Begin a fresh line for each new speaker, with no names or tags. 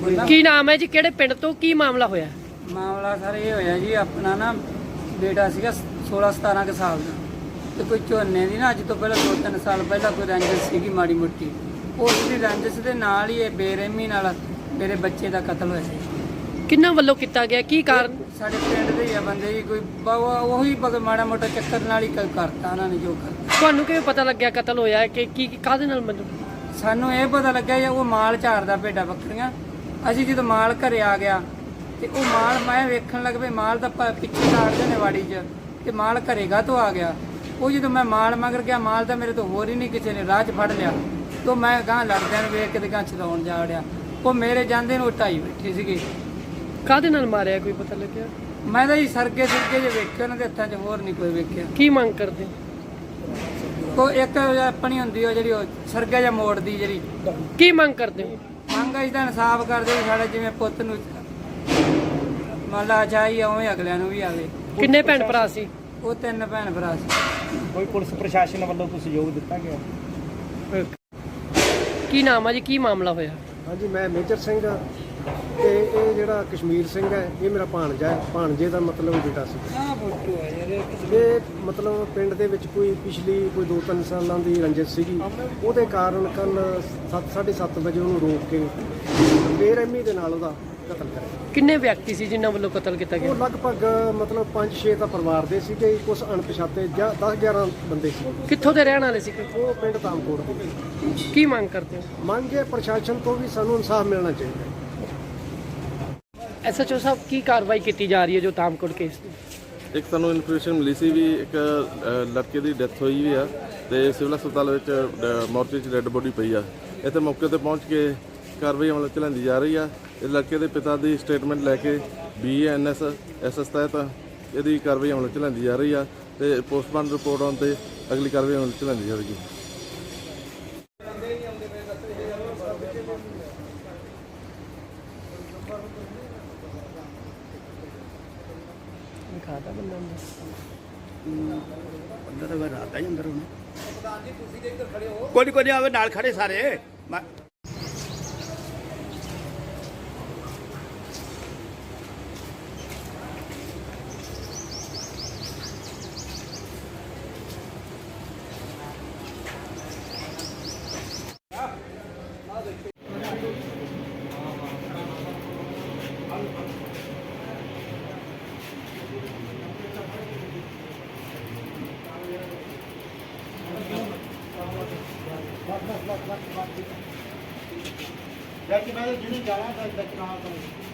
ਕੀ ਨਾਮ ਹੈ ਜੀ, ਕਿਹੜੇ ਪਿੰਡ ਤੋਂ ਕੀ ਮਾਮਲਾ ਹੋਇਆ?
ਮਾਮਲਾ ਸਰ ਇਹ ਹੋਇਆ ਜੀ, ਆਪਣਾ ਨਾ ਬੇਟਾ ਸੀਗਾ 16-17 ਕੁ ਸਾਲ ਦਾ, ਤੇ ਕੋਈ ਝੋਨੇ ਦੀ ਨਾ ਅੱਜ ਤੋਂ ਪਹਿਲਾਂ 2-3 ਸਾਲ ਪਹਿਲਾਂ ਕੋਈ ਰੰਜਿਸ਼ ਸੀਗੀ ਮਾੜੀ ਮੋਟੀ। ਉਸ ਦੀ ਰੰਜਿਸ਼ ਦੇ ਨਾਲ ਹੀ ਇਹ ਬੇਰਹਿਮੀ ਨਾਲ ਮੇਰੇ ਬੱਚੇ ਦਾ ਕਤਲ ਹੋਇਆ ਜੀ।
ਕਿੰਨਾ ਵੱਲੋਂ ਕੀਤਾ ਗਿਆ, ਕੀ ਕਾਰਨ?
ਸਾਡੇ ਪਿੰਡ ਦੇ ਹੀ ਆ ਬੰਦੇ ਜੀ, ਕੋਈ ਉਹੀ ਮਾੜਾ ਮੋਟਾ ਚੱਕਰ ਨਾਲ ਹੀ ਕਰਤਾ ਉਹਨਾਂ ਨੇ ਜੋ ਕਰਤਾ।
ਤੁਹਾਨੂੰ ਕਿਵੇਂ ਪਤਾ ਲੱਗਿਆ ਕਤਲ ਹੋਇਆ ਹੈ ਕਿ ਕੀ ਕਾਹਦੇ ਨਾਲ? ਮੈਨੂੰ
ਸਾਨੂੰ ਇਹ ਪਤਾ ਲੱਗਿਆ ਜੀ ਉਹ ਮਾਲ ਝਾੜਦਾ ਭੇਡਾਂ ਬੱਕਰੀਆਂ। ਅਸੀਂ ਜਦੋਂ ਮਾਲ ਘਰੇ ਆ ਗਿਆ ਤੇ ਉਹ ਮਾਲ ਮੈਂ ਵੇਖਣ ਲੱਗ ਪਈ, ਮਾਲ ਤਾਂ ਪਿੱਛੇ ਝਾੜਦੇ ਨੇ ਵਾੜੀ 'ਚ, ਤੇ ਮਾਲ ਘਰੇਗਾ ਤੋਂ ਆ ਗਿਆ। ਉਹ ਜਦੋਂ ਮੈਂ ਮਾਲ ਮਗਰ ਗਿਆ, ਮਾਲ ਤਾਂ ਮੇਰੇ ਤੋਂ ਹੋਰ ਹੀ ਨਹੀਂ ਕਿਸੇ ਨੇ ਰਾਹ 'ਚ ਫੜ ਲਿਆ। ਤੋਂ ਮੈਂ ਗਾਂ ਲੜਦਿਆਂ ਨੂੰ ਵੇਖ ਕੇ ਤੇ ਗਾਂ ਚਲਾਉਣ ਜਾ ਵੜਿਆ। ਉਹ ਮੇਰੇ ਜਾਂਦੇ ਨੂੰ ਢਾਈ ਬੈਠੇ ਸੀਗੇ।
ਕਾਹਦੇ ਨਾਲ ਮਾਰਿਆ, ਕੋਈ ਪਤਾ ਲੱਗਿਆ?
ਮੈਂ ਤਾਂ ਜੀ ਸਰਗੇ ਜੇ ਵੇਖੇ ਉਹਨਾਂ ਦੇ ਹੱਥਾਂ 'ਚ, ਹੋਰ ਨਹੀਂ ਕੋਈ ਵੇਖਿਆ।
ਕੀ ਮੰਗ ਕਰਦੇ?
ਉਹ ਇੱਕ ਆਪਣੀ ਹੁੰਦੀ ਉਹ ਜਿਹੜੀ ਉਹ ਸਰਗਾ ਜਾਂ ਮੋੜ ਦੀ ਜਿਹੜੀ
ਕੀ ਮੰਗ ਕਰਦੇ ਹੋ?
ਮੰਗ ਅਸੀਂ ਤਾਂ ਇਨਸਾਫ ਕਰਦੇ ਵੀ ਸਾਡਾ ਜਿਵੇਂ ਪੁੱਤ ਨੂੰ ਮੰਨ ਲਾ ਚਾਹੀ ਉਵੇਂ ਅਗਲਿਆਂ ਨੂੰ ਵੀ ਆਵੇ।
ਕਿੰਨੇ ਭੈਣ ਭਰਾ ਸੀ?
ਉਹ 3 ਭੈਣ ਭਰਾ ਸੀ।
ਕੋਈ ਪੁਲਿਸ ਪ੍ਰਸ਼ਾਸਨ ਵੱਲੋਂ ਕੋਈ ਸਹਿਯੋਗ ਦਿੱਤਾ ਗਿਆ?
ਕੀ ਨਾਮ ਹੈ ਜੀ, ਕੀ ਮਾਮਲਾ ਹੋਇਆ?
ਹਾਂਜੀ, ਮੈਂ ਮੇਜਰ ਸਿੰਘ ਤੇ ਇਹ ਜਿਹੜਾ ਕਸ਼ਮੀਰ ਸਿੰਘ ਹੈ ਇਹ ਮੇਰਾ ਭਾਣਜਾ ਹੈ। ਭਾਣਜੇ ਦਾ ਮਤਲਬ ਬੇਟਾ ਸੀ।
ਆਹ ਫੋਟੋ ਹੈ ਯਾਰ।
ਇਹ ਮਤਲਬ ਪਿੰਡ ਦੇ ਵਿੱਚ ਕੋਈ ਪਿਛਲੀ ਕੋਈ 2-3 ਸਾਲਾਂ ਦੀ ਰੰਜਿਸ਼ ਸੀਗੀ। ਉਹਦੇ ਕਾਰਨ ਕੱਲ 7:30 ਵਜੇ ਉਹਨੂੰ ਰੋਕ ਕੇ ਬੇਰਹਿਮੀ ਦੇ ਨਾਲ ਉਹਦਾ ਕਤਲ ਕਰਿਆ।
ਕਿੰਨੇ ਵਿਅਕਤੀ ਸੀ ਜਿਨ੍ਹਾਂ ਵੱਲੋਂ ਕਤਲ ਕੀਤਾ
ਉਹ
ਗਿਆ?
ਲਗਭਗ ਮਤਲਬ 5-6 ਤਾਂ ਪਰਿਵਾਰ ਦੇ ਸੀਗੇ, ਕੁਝ ਅਣਪਛਾਤੇ 10-11 ਬੰਦੇ ਸੀ।
ਕਿੱਥੋਂ ਦੇ ਰਹਿਣ ਵਾਲੇ ਸੀ?
ਉਹ ਪਿੰਡ ਤਾਮਕੋਟ ਦੇ।
ਕੀ ਮੰਗ ਕਰਦੇ ਹੋ?
ਮੰਗ ਹੈ ਪ੍ਰਸ਼ਾਸਨ ਤੋਂ ਵੀ ਸਾਨੂੰ ਇਨਸਾਫ ਮਿਲਣਾ ਚਾਹੀਦਾ।
ਐਸਐਚਓ ਸਾਹਿਬ, ਕੀ ਕਾਰਵਾਈ ਕੀਤੀ ਜਾ ਰਹੀ ਹੈ ਜੋ ਤਾਮਕੋਟ ਕੇਸ ਦੀ?
ਇੱਕ ਸਾਨੂੰ ਇਨਫੋਰਮੇਸ਼ਨ ਮਿਲੀ ਸੀ ਵੀ ਇੱਕ ਲੜਕੇ ਦੀ ਡੈਥ ਹੋਈ ਵੀ ਆ ਤੇ ਸਿਵਲ ਹਸਪਤਾਲ ਵਿੱਚ ਮੋਰਚੇ 'ਚ ਡੈੱਡ ਬੋਡੀ ਪਈ ਆ। ਇੱਥੇ ਮੌਕੇ ਤੇ ਪਹੁੰਚ ਕੇ ਕਾਰਵਾਈ ਅਮਲ 'ਚ ਲਿਆਂਦੀ ਜਾ ਰਹੀ ਆ। ਇਸ ਲੜਕੇ ਦੇ ਪਿਤਾ ਦੀ ਸਟੇਟਮੈਂਟ ਲੈ ਕੇ BANS SS ਤਹਿਤ ਇਹਦੀ ਕਾਰਵਾਈ ਅਮਲ 'ਚ ਲਿਆਂਦੀ ਜਾ ਰਹੀ ਆ ਤੇ ਪੋਸਟਮਾਰਟਮ ਰਿਪੋਰਟ ਆਉਣ ਤੇ ਅਗਲੀ ਕਾਰਵਾਈ ਅਮਲ 'ਚ ਲਿਆਂਦੀ ਜਾਵੇਗੀ।
ਦਿਖਾਤਾ ਬੰਦਾ
ਅੰਦਰ ਤਾਂ ਰਾਤ ਹੀ ਅੰਦਰ ਹੋਣਾ। ਕੋਈ ਆਵੇ ਨਾਲ ਖੜੇ ਸਾਰੇ। ਜਾ ਕੇ ਮੈਂ ਜਿਹਨੂੰ ਜਾਣਾ ਤਾਂ ਦੱਸਣਾ